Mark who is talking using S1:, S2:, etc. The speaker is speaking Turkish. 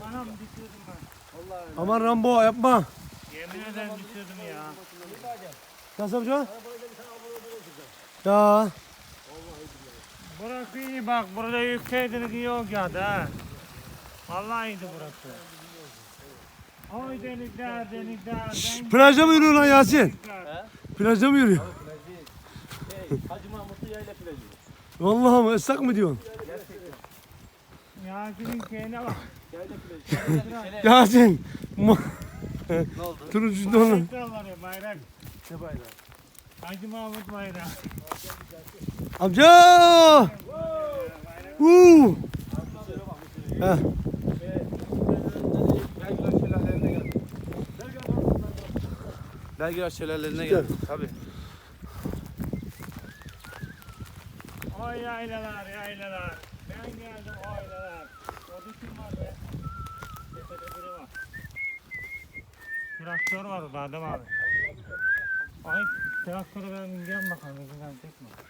S1: Anam düşürdüm ben.
S2: Vallahi öyle.
S3: Aman Rambo yapma.
S1: Yemin ederim düşürdüm ya.
S3: Nasıl yapacaksın? Ya.
S1: Burası iyi bak, burada yükseklik iyi olacak ha. Vallahi iyiydi burası. Oy delikler, delikler.
S3: Plajda mı yürüyor lan Yasin?
S1: delikler.
S3: Plajda mı yürüyor?
S2: Hacı Mahmutlu yayla plajı.
S3: Vallahi mı? Islak mı diyorsun?
S1: Yasin'in şeyine bak.
S2: Yayla plajı.
S3: Yasin.
S2: Ne oldu?
S3: Turuncu donu.
S1: Bayrak dalları, bayrak.
S2: Ne bayrağı?
S1: Hacı Mahmut bayrağı.
S3: Amca. Uuu. Heh.
S2: Belgrad şelalelerine geldik. Tabii.
S1: Oy yaylalar, yaylalar. Ben geldim o yaylalar. O kim var be? Tepede biri var. Traktör var orada adam abi. Ay traktörü ben bineceğim bakalım. Bineceğim tek mi?